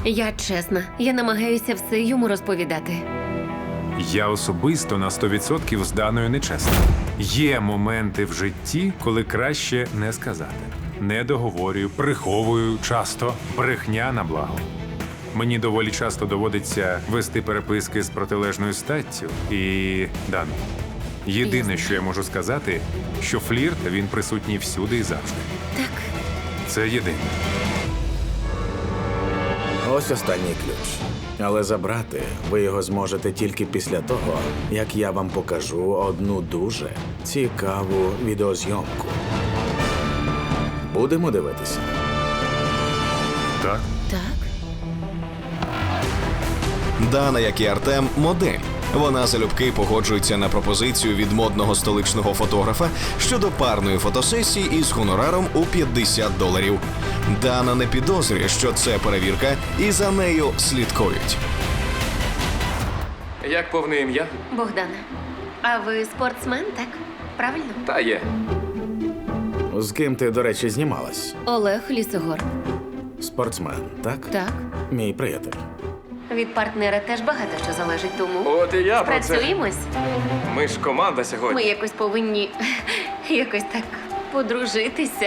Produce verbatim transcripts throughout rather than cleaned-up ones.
Я чесна, я намагаюся все йому розповідати. Я особисто на сто відсотків з Даною нечесна. Є моменти в житті, коли краще не сказати. Не договорюю, приховую часто, брехня на благо. Мені доволі часто доводиться вести переписки з протилежною статтю. І, Дан, єдине, Ясно. що я можу сказати, що флірт, він присутній всюди і завжди. Так, Це єдине. Ось останній ключ. Але забрати ви його зможете тільки після того, як я вам покажу одну дуже цікаву відеозйомку. Будемо дивитися. Так? так. Дана, як і Артем, модель. Вона залюбки погоджується на пропозицію від модного столичного фотографа щодо парної фотосесії із гонораром у п'ятдесят доларів. Дана не підозрює, що це перевірка, і за нею слідкують. Як повне ім'я? Богдана, а ви спортсмен, так? Правильно? Та є. З ким ти, до речі, знімалась? Олег Лісогор. Спортсмен, так? Так. Мій приятель. Від партнера теж багато що залежить, тому От і я про це. працюємось. Ми ж команда Ми сьогодні. якось повинні якось так подружитися.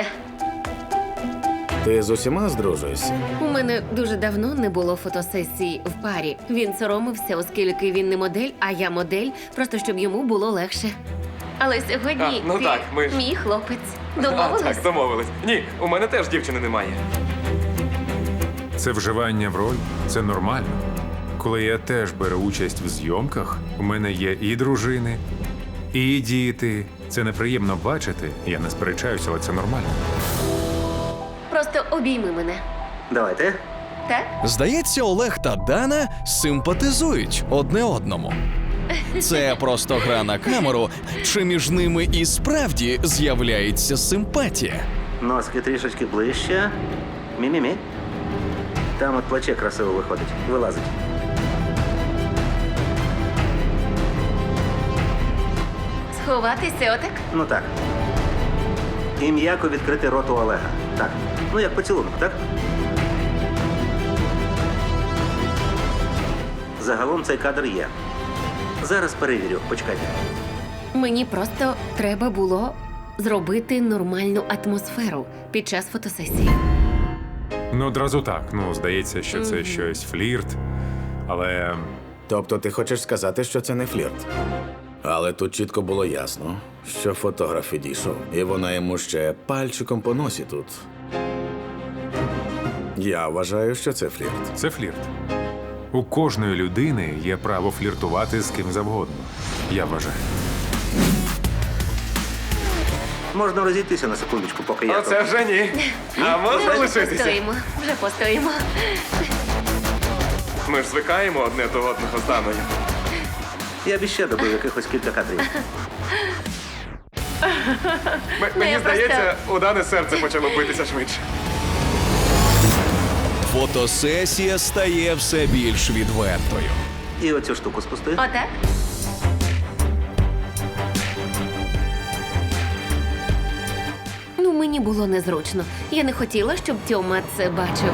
Ти з усіма здружуєшся? У мене дуже давно не було фотосесій в парі. Він соромився, оскільки він не модель, а я модель, просто щоб йому було легше. Але сьогодні А, ну ти так, ми ж- мій хлопець. А, Домовились? так, домовились. Ні, у мене теж дівчини немає. Це вживання в роль, це нормально. Коли я теж беру участь в зйомках, у мене є і дружини, і діти. Це неприємно бачити, я не сперечаюся, але це нормально. Просто обійми мене. Давайте. Так? Здається, Олег та Дана симпатизують одне одному. Це просто гра на камеру, чи між ними і справді з'являється симпатія? Носки трішечки ближче. Мі-мі-мі. Там от плече красиво виходить. Вилазить. Сховатися отак? Ну так. І м'яко відкрити рот у Олега. Так. Ну як поцілунок, так? Загалом цей кадр є. Зараз перевірю. Почекайте. Мені просто треба було зробити нормальну атмосферу під час фотосесії. Ну, одразу так. Ну, здається, що це щось флірт, але Тобто ти хочеш сказати, що це не флірт? Але тут чітко було ясно, що фотограф відійшов, і вона йому ще пальчиком по носі тут. Я вважаю, що це флірт. це флірт. У кожної людини є право фліртувати з ким завгодно. Я вважаю. Можна розійтися на секундочку, поки я Оце тут. вже ні. А можна Вже лишитися? постоїмо, вже постоїмо. Ми ж звикаємо одне до одного з Даною. Я б іще добив якихось кілька кадрів. М- Ну, Мені я здається, у Дани серце почало битися швидше. Фотосесія стає все більш відвертою. І оцю штуку спусти. Отак? Ну, мені було незручно. Я не хотіла, щоб Тьома це бачив.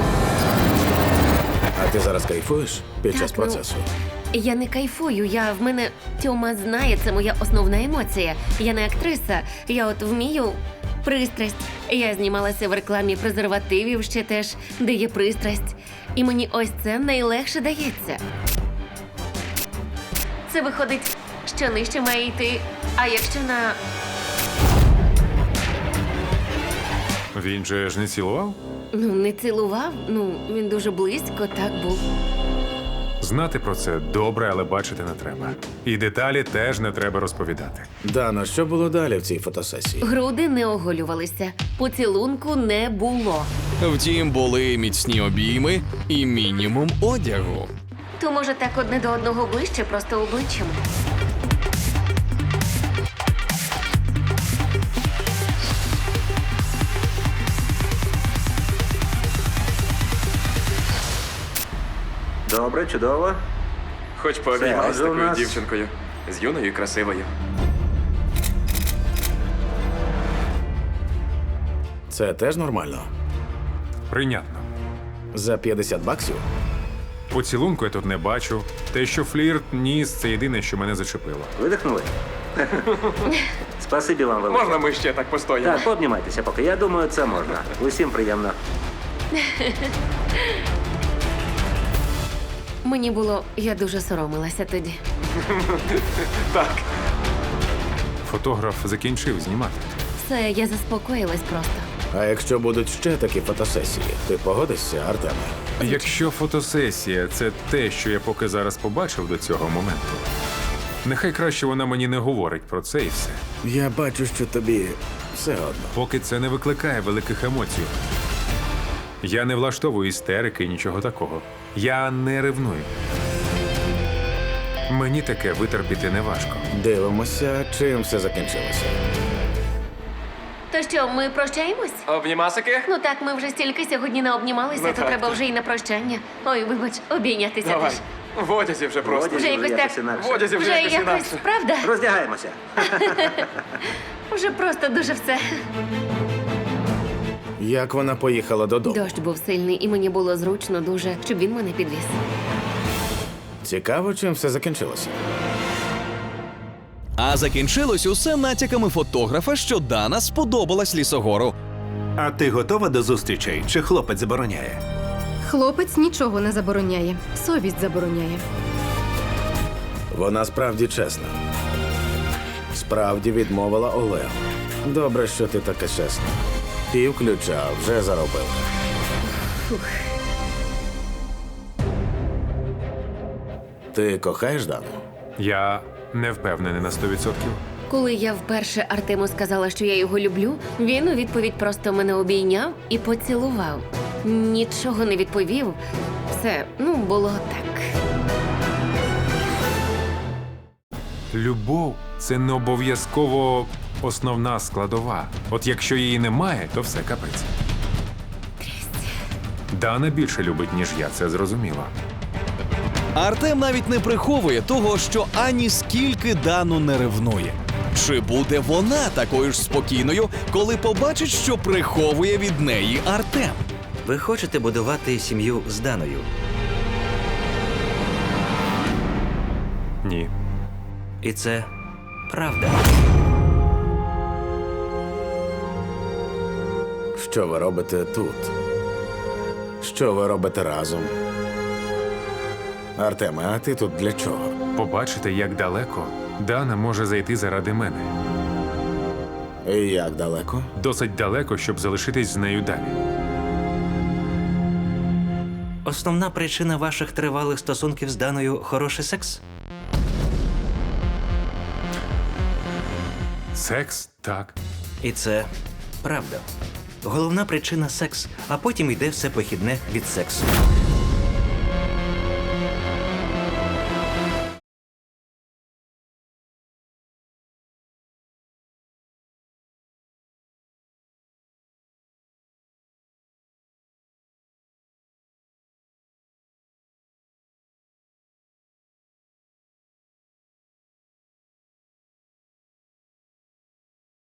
А ти зараз кайфуєш під час Так, ну, процесу? Я не кайфую, я в мене Тьома знає, це моя основна емоція. Я не актриса, я от вмію пристрасть. Я знімалася в рекламі презервативів ще теж, де є пристрасть. І мені ось це найлегше дається. Це виходить, що нижче має йти, а якщо на. Він же ж не цілував? Ну, не цілував, ну, він дуже близько так був. Знати про це добре, але бачити не треба. І деталі теж не треба розповідати. Дана, що було далі в цій фотосесії? Груди не оголювалися, поцілунку не було. Втім, були міцні обійми і мінімум одягу. То може так одне до одного ближче, просто обличчям. Добре, чудово. Хоч пообіймай з Це, отже, у такою нас- дівчинкою. З юною і красивою. Це теж нормально? Прийнятно. За п'ятдесят баксів? Поцілунку я тут не бачу. Те, що флірт, ніс, це єдине, що мене зачепило. Видихнули? Спасибі вам велике. Можна ми ще так постоїмо? Так, пообнімайтеся поки. Я думаю, це можна. Усім приємно. Мені було, я дуже соромилася тоді. Так. Фотограф закінчив знімати. Все, я заспокоїлась просто. А якщо будуть ще такі фотосесії, ти погодишся, Артеме? Якщо фотосесія це те, що я поки зараз побачив до цього моменту, нехай краще вона мені не говорить про це і все. Я бачу, що тобі все одно. Поки це не викликає великих емоцій. Я не влаштовую істерики, нічого такого. Я не ревную. Мені таке витерпіти не важко. Дивимося, чим все закінчилося. То що, ми прощаємось? Обнімасики? Ну так, ми вже стільки сьогодні не обнімалися, Ну то так, треба так. вже і на прощання. Ой, вибач, обійнятися Давай. теж. В одязі вже просто. Водязі Вже якось так. інакше. В одязі вже, Вже якось якось, інакше. правда? Роздягаємося. Вже просто дуже все. Як вона поїхала додому? Дощ був сильний, і мені було зручно дуже, щоб він мене підвіз. Цікаво, чим все закінчилося. А закінчилось усе натяками фотографа, що Дана сподобалась лісогору. А ти готова до зустрічей? Чи хлопець забороняє? Хлопець нічого не забороняє. Совість забороняє. Вона справді чесна. Справді відмовила Олегу. Добре, що ти така чесна. Пів ключа вже заробив. Ти кохаєш Дану? Я не впевнений на сто відсотків. Коли я вперше Артему сказала, що я його люблю, він у відповідь просто мене обійняв і поцілував. Нічого не відповів. Все, ну, було так. Любов це не обов'язково основна складова. От якщо її немає, то все капець. Дана більше любить, ніж я, це зрозуміло. Артем навіть не приховує того, що ані скільки Дану не ревнує. Чи буде вона такою ж спокійною, коли побачить, що приховує від неї Артем? Ви хочете будувати сім'ю з Даною? Ні. І це правда. Що ви робите тут? Що ви робите разом? Артеме, а ти тут для чого? Побачите, як далеко Дана може зайти заради мене. І як далеко? Досить далеко, щоб залишитись з нею далі. Основна причина ваших тривалих стосунків з Даною – хороший секс? Секс? Так. І це правда. Головна причина – секс, а потім йде все похідне від сексу.